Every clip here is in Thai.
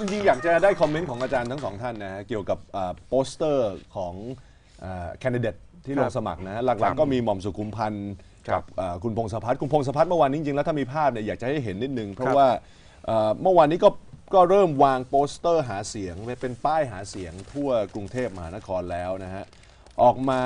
ริงๆอยากจะได้คอมเมนต์ของอาจารย์ทั้งสองท่านนะฮะเกี่ยวกับโปสเตอร์ของแคนดิเดตที่ลงสมัครนะฮะหลักๆก็มีหม่อมสุขุมพันธ์กับคุณพงศพัฒน์เมื่อวานนี้จริงๆแล้วถ้ามีภาพเนี่ยอยากจะให้เห็นนิดนึงเพราะว่าเมื่อวานนี้ก็เริ่มวางโปสเตอร์หาเสียงเป็นป้ายหาเสียงทั่วกรุงเทพมหานครแล้วนะฮะออกมา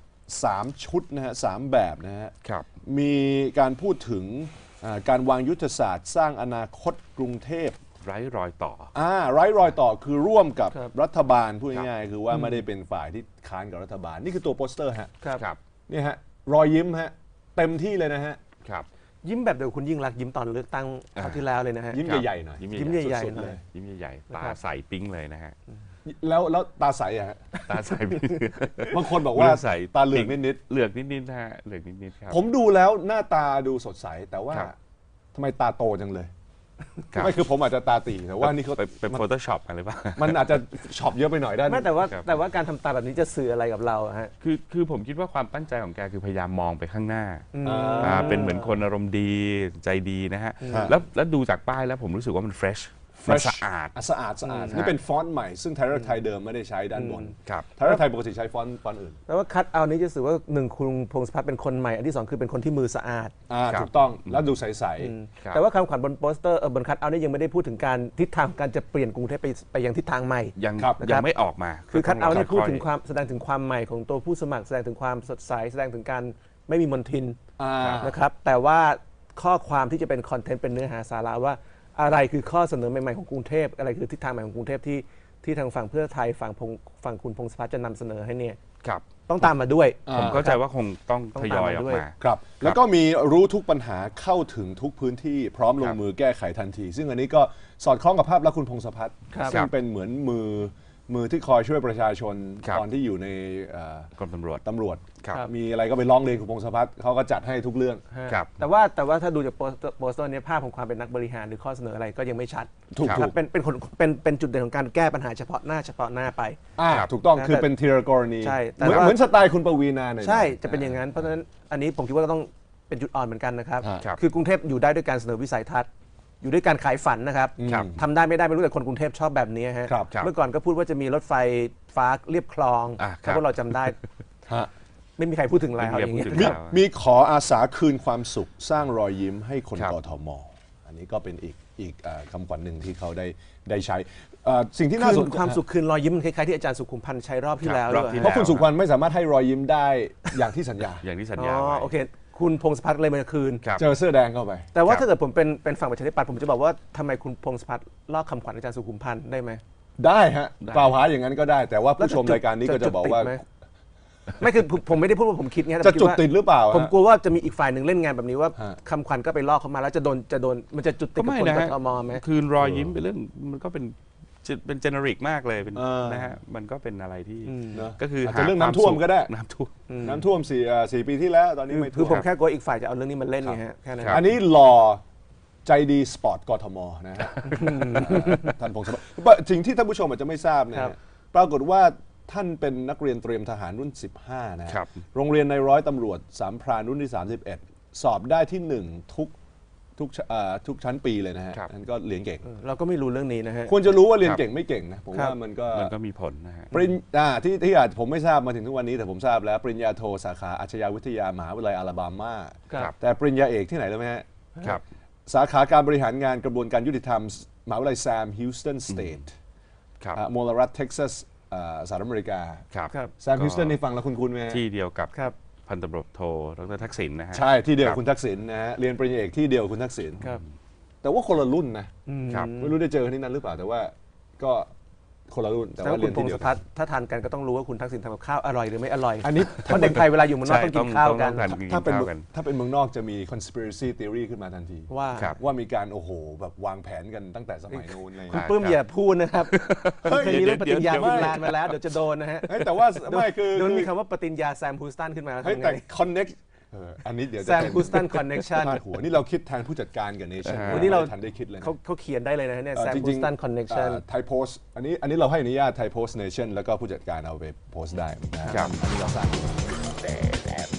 3ชุดนะฮะ3แบบนะฮะมีการพูดถึงการวางยุทธศาสตร์สร้างอนาคตกรุงเทพไร้รอยต่อไร้รอยต่อคือร่วมกับรัฐบาลพูดง่ายๆคือว่าไม่ได้เป็นฝ่ายที่ค้านกับรัฐบาลนี่คือตัวโปสเตอร์ฮะนี่ฮะรอยยิ้มฮะเต็มที่เลยนะฮะยิ้มแบบเดียวคุณยิ่งรักยิ้มตอนเลือกตั้งคราวที่แล้วเลยนะฮะยิ้มใหญ่ๆหน่อยยิ้มใหญ่ๆเลยยิ้มใหญ่ๆตาใสปิ้งเลยนะฮะแล้วตาใสอะฮะตาใสบางคนบอกว่าตาเหลือกนิดๆเหลือกนิดๆนะฮะเหลือกนิดๆครับผมดูแล้วหน้าตาดูสดใสแต่ว่าทำไมตาโตจังเลยไม่คือผมอาจจะตาตีแต่ว่านี่เขาเป็นโฟโต้ช็อปอะไรบ้างมันอาจจะช็อปเยอะไปหน่อยได้ไม่แต่ว่าการทำตาแบบนี้จะสื่ออะไรกับเราฮะคือผมคิดว่าความตั้งใจของแกคือพยายามมองไปข้างหน้าเป็นเหมือนคนอารมณ์ดีใจดีนะฮะแล้วดูจากป้ายแล้วผมรู้สึกว่ามันเฟรชสะอาดนี่เป็นฟอนต์ใหม่ซึ่งไทยรัฐไทยเดิมไม่ได้ใช้ด้านบนไทยรัฐไทยปกติใช้ฟอนต์อื่นแปลว่าคัทเอานี้จะสื่อว่า1คุณพงศพัฒน์เป็นคนใหม่อันที่2คือเป็นคนที่มือสะอาดถูกต้องแล้วดูใสๆแต่ว่าคำขวัญบนโปสเตอร์บนคัทเอานี้ยังไม่ได้พูดถึงการทิศทางการจะเปลี่ยนกรุงเทพไปยังทิศทางใหม่ยังไม่ออกมาคือคัทเอานี่พูดถึงความแสดงถึงความใหม่ของตัวผู้สมัครแสดงถึงความสดใสแสดงถึงการไม่มีมลทินนะครับแต่ว่าข้อความที่จะเป็นคอนเทนต์เป็นเนื้อหาสาระว่าอะไรคือข้อเสนอใหม่ๆของกรุงเทพอะไรคือทิศทางใหม่ของกรุงเทพที่ทางฝั่งเพื่อไทยฝั่งคุณพงศพัฒน์จะนำเสนอให้เนี่ยต้องตามมาด้วยผมเข้าใจว่าคงต้องทยอยออกมาครับแล้วก็มีรู้ทุกปัญหาเข้าถึงทุกพื้นที่พร้อมลงมือแก้ไขทันทีซึ่งอันนี้ก็สอดคล้องกับภาพลักษณ์คุณพงศพัฒน์ซึ่งเป็นเหมือนมือที่คอยช่วยประชาชนตอนที่อยู่ในกรมตำรวจมีอะไรก็ไปร้องเรียนคุณพงศพัฒน์เขาก็จัดให้ทุกเรื่องแต่ว่าถ้าดูจากโปสเตอร์นี้ภาพของความเป็นนักบริหารหรือข้อเสนออะไรก็ยังไม่ชัดถูกเป็นจุดเด่นของการแก้ปัญหาเฉพาะหน้าไปถูกต้องคือเป็นทีละกรณีเหมือนสไตล์คุณปวีณาใช่จะเป็นอย่างนั้นเพราะฉะนั้นอันนี้ผมคิดว่าก็ต้องเป็นจุดอ่อนเหมือนกันนะครับคือกรุงเทพอยู่ได้ด้วยการเสนอวิสัยทัศน์อยู่ด้วยการขายฝันนะครับทำได้ไม่ได้ไม่รู้แต่คนกรุงเทพชอบแบบนี้ฮะเมื่อก่อนก็พูดว่าจะมีรถไฟฟ้าเรียบคลองถ้าพวกเราจำได้ไม่มีใครพูดถึงแล้วอย่างเงี้ยมีขออาสาคืนความสุขสร้างรอยยิ้มให้คนกทมอันนี้ก็เป็นอีกคำขวัญหนึ่งที่เขาได้ใช้สิ่งที่น่าสนใจความสุขคืนรอยยิ้มคล้ายๆที่อาจารย์สุขุมพันธ์ใช้รอบที่แล้วเพราะคุณสุขุมพันธ์ไม่สามารถให้รอยยิ้มได้อย่างที่สัญญาโอเคคุณพงศพัฒน์เลยมาคืนเจอเสื้อแดงเข้าไปแต่ว่าถ้าเกิดผมเป็นฝั่งประชาธิปัตย์ผมจะบอกว่าทำไมคุณพงศพัฒน์ลอกคำขวัญอาจารย์สุขุมพันธ์ได้ไหมได้ฮะกล่าวหาอย่างนั้นก็ได้แต่ว่าผู้ชมรายการนี้ก็จะบอกว่าไม่คือผมไม่ได้พูดว่าผมคิดไงจะจุดติดหรือเปล่าผมกลัวว่าจะมีอีกฝ่ายหนึ่งเล่นงานแบบนี้ว่าคำขวัญก็ไปลอกเข้ามาแล้วจะโดนมันจะจุดติดกับคนกทมไหมคืนรอยยิ้มเป็นเรื่องมันก็เป็นเจเนริกมากเลยเป็นนะฮะมันก็เป็นอะไรที่ก็คือเรื่องน้ำท่วมก็ได้น้ำท่วม4 ปีที่แล้วตอนนี้ไม่ท่วมคือผมแค่กลัวอีกฝ่ายจะเอาเรื่องนี้มาเล่นไงฮะแค่นั้นอันนี้หล่อใจดีสปอร์ตกทมนะฮะท่านพงศพัฒน์สิ่งที่ท่านผู้ชมอาจจะไม่ทราบเนี่ยปรากฏว่าท่านเป็นนักเรียนเตรียมทหารรุ่น15นะโรงเรียนในร้อยตำรวจสามพรานรุ่นที่31สอบได้ที่1ทุกชั้นปีเลยนะฮะนั่นก็เรียนเก่งเราก็ไม่รู้เรื่องนี้นะฮะควรจะรู้ว่าเรียนเก่งไม่เก่งนะผมว่ามันก็มีผลนะฮะปริญญาที่อาจผมไม่ทราบมาถึงทุกวันนี้แต่ผมทราบแล้วปริญญาโทสาขาอาชญาวิทยามหาวิทยาลัยอลาบามาแต่ปริญญาเอกที่ไหนรู้ไหมฮะสาขาการบริหารงานกระบวนการยุติธรรมมหาวิทยาลัยแซมฮิวสตันสเตทมลรัฐเท็กซัสสหรัฐอเมริกาแซมฮิวสตันนี่ฟังแล้วคุ้นๆไหมที่เดียวกับพันตำรวจโทดร.ทักษิณนะฮะใช่ที่เดียวคุณทักษิณนะฮะเรียนปริญญาเอกที่เดียวคุณทักษิณแต่ว่าคนละรุ่นนะไม่รู้ได้เจอที่นั้นหรือเปล่าแต่ว่าก็คนละรุ่นแต่ว่าเรียนที่เดียวกันถ้าทานกันก็ต้องรู้ว่าคุณทักษิณทำกับข้าวอร่อยหรือไม่อร่อยอันนี้เพราะเด็กไทยเวลาอยู่เมืองนอกต้องกินข้าวกันถ้าเป็นเมืองนอกจะมี conspiracy theory ขึ้นมาทันทีว่ามีการโอ้โหแบบวางแผนกันตั้งแต่สมัยนู้นเลยคุณปื้มอย่าพูดนะครับเคยมีเรื่องปฏิญญาบินลาดมาแล้วเดี๋ยวจะโดนนะฮะแต่ว่าไม่คือโดนมีคำว่าปฏิญญาแซมฮูสตันขึ้นมาแต่ connect อันนี้เดี๋ยวแซมฮูสตันคอนเน็กชั่นหัวนี่เราคิดแทนผู้จัดการกับเนชั่นวันนี้เราทันได้คิดเลยเขาเขียนได้เลยนะเนี่ยแซมฮูสตันคอนเน็กชั่นไทยโพสต์อันนี้เราให้อนุญาตไทยโพสต์เนชั่นแล้วก็ผู้จัดการเอาไปโพสต์ได้นะครับอันนี้เราสร้าง